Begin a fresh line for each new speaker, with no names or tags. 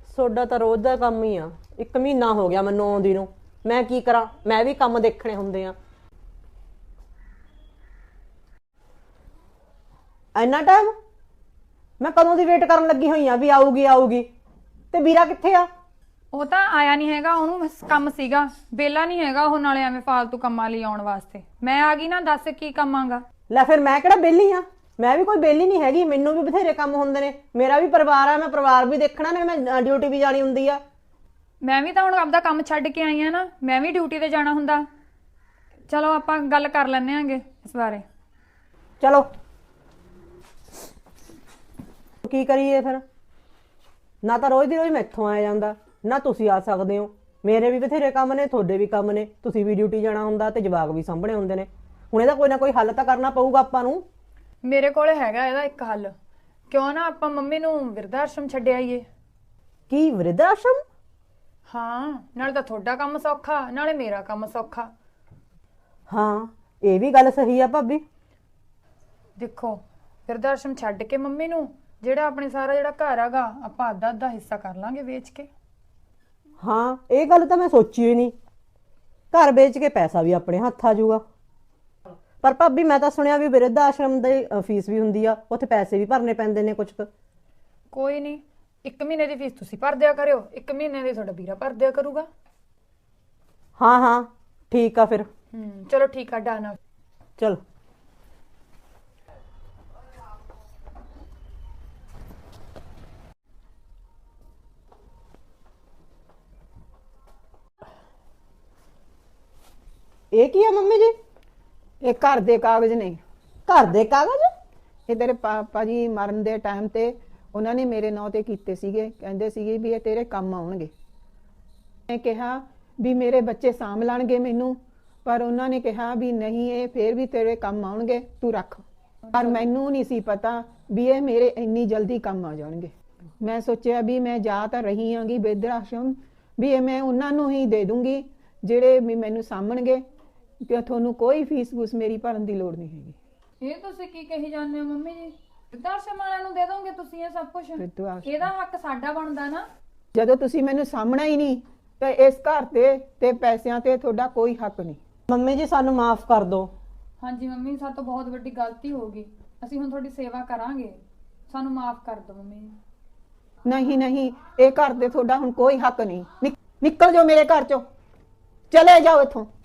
Soda ਤਾਂ ਰੋਜ਼ ਦਾ ਕੰਮ ਹੀ ਆ। 1 ਮਹੀਨਾ ਹੋ ਗਿਆ ਮੈਨੂੰ ਆਉਂਦੀ ਨੂੰ। ਮੈਂ ਕੀ ਕਰਾਂ, ਮੈਂ ਵੀ ਕੰਮ ਦੇਖਣੇ ਹੁੰਦੇ ਆ। ਇੰਨਾ ਟਾਈਮ? ਮੈਂ ਕਦੋਂ ਦੀ ਵੇਟ ਕਰਨ ਲੱਗੀ ਹੋਈ ਆ ਵੀ ਆਊਗੀ ਆਊਗੀ। ਤੇ ਵੀਰਾ ਕਿੱਥੇ ਆ?
ਉਹ ਤਾਂ ਆਇਆ ਨਹੀਂ ਹੈਗਾ, ਉਹਨੂੰ ਕੰਮ ਸੀਗਾ, ਬੇਲਾ ਨਹੀਂ ਹੈਗਾ ਉਹ, ਨਾਲੇ ਐਵੇਂ ਫਾਲਤੂ ਕੰਮਾਂ ਲਈ ਆਉਣ ਵਾਸਤੇ। ਮੈਂ ਆ ਗਈ ਨਾ, ਦੱਸ ਕੀ ਕੰਮ ਆਂਗਾ।
ਲੈ ਫਿਰ ਮੈਂ ਕਿਹੜਾ ਵਿਹਲੀ ਆ? ਮੈਂ ਵੀ ਕੋਈ ਵਿਹਲੀ ਨਹੀਂ ਹੈਗੀ, ਮੈਨੂੰ ਵੀ ਬਥੇਰੇ ਕੰਮ ਹੁੰਦੇ ਨੇ। ਮੇਰਾ ਵੀ ਪਰਿਵਾਰ ਆ, ਮੈਂ ਪਰਿਵਾਰ ਵੀ ਦੇਖਣਾ ਨੇ, ਮੈਂ ਡਿਊਟੀ ਵੀ ਜਾਣੀ ਹੁੰਦੀ ਆ।
ਮੈਂ ਵੀ ਤਾਂ ਹੁਣ ਆਪਦਾ ਕੰਮ ਛੱਡ ਕੇ ਆਈ ਆ ਨਾ, ਮੈਂ ਵੀ ਡਿਊਟੀ ਤੇ ਜਾਣਾ ਹੁੰਦਾ। ਚਲੋ ਆਪਾਂ ਗੱਲ ਕਰ ਲੈਂਦੇ ਆਂਗੇ ਇਸ ਬਾਰੇ।
ਚਲੋ ਕੀ ਕਰੀਏ ਫਿਰ? ਨਾ ਤਾਂ ਰੋਜ਼ ਦੀ ਰੋਜ਼ ਮੈਥੋਂ ਆਇਆ ਜਾਂਦਾ, ਨਾ ਤੁਸੀਂ ਆ ਸਕਦੇ ਹੋ। ਮੇਰੇ ਵੀ ਬਥੇਰੇ ਕੰਮ ਨੇ, ਤੁਹਾਡੇ ਵੀ ਕੰਮ ਨੇ, ਤੁਸੀਂ ਵੀ ਡਿਊਟੀ ਜਾਣਾ ਹੁੰਦਾ ਤੇ ਜਵਾਕ ਵੀ ਸਾਂਭਣੇ ਹੁੰਦੇ ਨੇ। ਹੁਣ ਇਹਦਾ ਕੋਈ ਨਾ ਕੋਈ ਹੱਲ ਤਾਂ ਕਰਨਾ ਪਊਗਾ ਆਪਾਂ ਨੂੰ।
ਮੇਰੇ ਕੋਲ ਹੈਗਾ ਇਹਦਾ ਇੱਕ ਹੱਲ। ਕਿਉਂ ਨਾ ਆਪਾਂ ਮੰਮੀ ਨੂੰ ਬਿਰਧ ਆਸ਼ਰਮ ਛੱਡ ਆਈਏ।
ਕੀ ਵਿਰਧ ਆਸ਼ਰਮ?
ਹਾਂ, ਨਾਲੇ ਤਾਂ ਤੁਹਾਡਾ ਕੰਮ ਸੌਖਾ, ਨਾਲੇ ਮੇਰਾ ਕੰਮ ਸੌਖਾ।
ਹਾਂ ਇਹ ਵੀ ਗੱਲ ਸਹੀ ਆ ਭਾਬੀ।
ਦੇਖੋ, ਬਿਰਧ ਆਸ਼ਰਮ ਛੱਡ ਕੇ ਮੰਮੀ ਨੂੰ, ਜਿਹੜਾ ਆਪਣੇ ਸਾਰਾ ਜਿਹੜਾ ਘਰ ਹੈਗਾ, ਆਪਾਂ ਅੱਧਾ ਅੱਧਾ ਹਿੱਸਾ ਕਰ ਲਾਂਗੇ ਵੇਚ ਕੇ।
ਹਾਂ ਇਹ ਗੱਲ ਤਾਂ ਮੈਂ ਸੋਚੀ ਹੀ ਨਹੀਂ। ਘਰ ਵੇਚ ਕੇ ਪੈਸਾ ਵੀ ਆਪਣੇ ਹੱਥ ਆ ਜਾਊਗਾ। ਪਰ ਭਾਬੀ ਮੈਂ ਤਾਂ ਸੁਣਿਆ ਵੀ ਬਿਰਧ ਆਸ਼ਰਮ ਦੀ ਫੀਸ ਵੀ ਹੁੰਦੀ ਆ, ਉੱਥੇ ਪੈਸੇ ਵੀ ਭਰਨੇ ਪੈਂਦੇ ਨੇ ਕੁਛ ਕੁ।
ਕੋਈ ਨਹੀਂ, 1 ਮਹੀਨੇ ਦੀ ਫੀਸ ਤੁਸੀਂ ਭਰ ਦਿਆ ਕਰਿਓ, 1 ਮਹੀਨੇ ਦੀ ਤੁਹਾਡਾ ਵੀਰਾ ਭਰ ਦਿਆ ਕਰੂਗਾ।
ਹਾਂ ਹਾਂ ਠੀਕ ਆ ਫਿਰ।
ਚਲੋ ਠੀਕ ਆ, ਡਨ।
ਚਲ ਇਹ ਕੀ ਆ ਮੰਮੀ ਜੀ?
ਇਹ ਘਰ ਦੇ ਕਾਗਜ਼ ਨੇ।
ਘਰ ਦੇ ਕਾਗਜ਼?
ਇਹ ਤੇਰੇ ਪਾਪਾ ਜੀ ਮਰਨ ਦੇ ਟਾਈਮ ਤੇ ਉਹਨਾਂ ਨੇ ਮੇਰੇ ਨਾਂ ਤੇ ਕੀਤੇ ਸੀਗੇ। ਕਹਿੰਦੇ ਸੀਗੇ ਵੀ ਇਹ ਤੇਰੇ ਕੰਮ ਆਉਣਗੇ। ਮੈਂ ਕਿਹਾ ਵੀ ਮੇਰੇ ਬੱਚੇ ਸਾਂਭ ਲੈਣਗੇ ਮੈਨੂੰ, ਪਰ ਉਹਨਾਂ ਨੇ ਕਿਹਾ ਵੀ ਨਹੀਂ, ਇਹ ਫੇਰ ਵੀ ਤੇਰੇ ਕੰਮ ਆਉਣਗੇ, ਤੂੰ ਰੱਖ। ਪਰ ਮੈਨੂੰ ਨਹੀਂ ਸੀ ਪਤਾ ਵੀ ਇਹ ਮੇਰੇ ਇੰਨੀ ਜਲਦੀ ਕੰਮ ਆ ਜਾਣਗੇ। ਮੈਂ ਸੋਚਿਆ ਵੀ ਮੈਂ ਜਾ ਤਾਂ ਰਹੀ ਆਂਗੀ ਬਿਰਧ ਆਸ਼ਰਮ, ਵੀ ਇਹ ਮੈਂ ਉਹਨਾਂ ਨੂੰ ਹੀ ਦੇ ਦੂੰਗੀ ਜਿਹੜੇ ਵੀ ਮੈਨੂੰ ਸਾਂਭਣਗੇ, ਕਿ ਤੁਹਾਨੂੰ ਕੋਈ ਫੀਸ ਫੂਸ ਮੇਰੀ ਭਰਨ ਦੀ ਲੋੜ ਨਹੀਂ ਹੈਗੀ।
ਇਹ ਤੁਸੀਂ ਕੀ ਕਹੀ ਜਾਂਦੇ ਹੋ ਮੰਮੀ ਜੀ? ਬਿਰਧ ਆਸ਼ਰਮ ਵਾਲਿਆਂ ਨੂੰ ਦੇ ਦੋਗੇ ਤੁਸੀਂ ਇਹ ਸਭ ਕੁਝ? ਇਹਦਾ ਹੱਕ ਸਾਡਾ ਬਣਦਾ ਨਾ।
ਜਦੋਂ ਤੁਸੀਂ ਮੈਨੂੰ ਸਾਹਮਣਾ ਹੀ ਨਹੀਂ, ਤੇ ਇਸ ਘਰ ਤੇ ਪੈਸਿਆਂ ਤੇ ਤੁਹਾਡਾ ਕੋਈ ਹੱਕ ਨਹੀਂ।
ਮੰਮੀ ਜੀ ਸਾਨੂੰ ਮਾਫ ਕਰ ਦਿਓ।
ਹਾਂਜੀ ਮੰਮੀ, ਸਾਡੇ ਤੋਂ ਬਹੁਤ ਵੱਡੀ ਗਲਤੀ ਹੋ ਗਈ। ਅਸੀਂ ਹੁਣ ਤੁਹਾਡੀ ਸੇਵਾ ਕਰਾਂਗੇ, ਸਾਨੂੰ ਮਾਫ ਕਰ ਦਿਓ ਮੰਮੀ।
ਨਹੀਂ ਨਹੀਂ, ਇਹ ਘਰ ਤੇ ਤੁਹਾਡਾ ਹੁਣ ਕੋਈ ਹੱਕ ਨਹੀਂ। ਨਿਕਲ ਜਾਓ ਮੇਰੇ ਘਰ ਚੋਂ, ਚਲੇ ਜਾਓ ਇੱਥੋਂ।